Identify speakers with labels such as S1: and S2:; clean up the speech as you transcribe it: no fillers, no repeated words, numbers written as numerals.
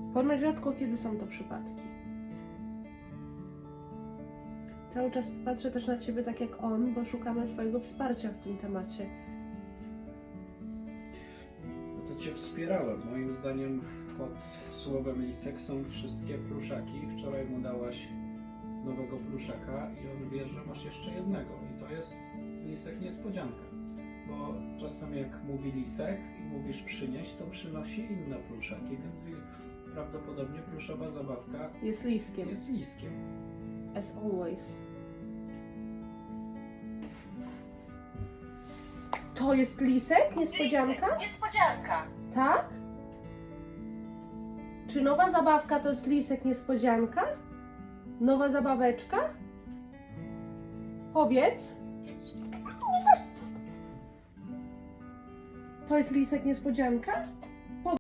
S1: Ponoć rzadko kiedy są to przypadki. Cały czas patrzę też na ciebie tak jak on, bo szukamy twojego wsparcia w tym temacie.
S2: No to cię wspierałem. Moim zdaniem pod słowem lisek są wszystkie pluszaki. Wczoraj mu dałaś nowego pluszaka i on wie, że masz jeszcze jednego. I to jest lisek niespodzianka. Bo czasem jak mówi lisek i mówisz przynieść, to przynosi inne pluszaki, więc prawdopodobnie pluszowa zabawka
S1: Jest liskiem.
S2: jest liskiem.
S1: As always. To jest lisek? Niespodzianka?
S3: Niespodzianka.
S1: Tak? Czy nowa zabawka to jest lisek niespodzianka? Nowa zabaweczka? Powiedz. To jest lisek niespodzianka?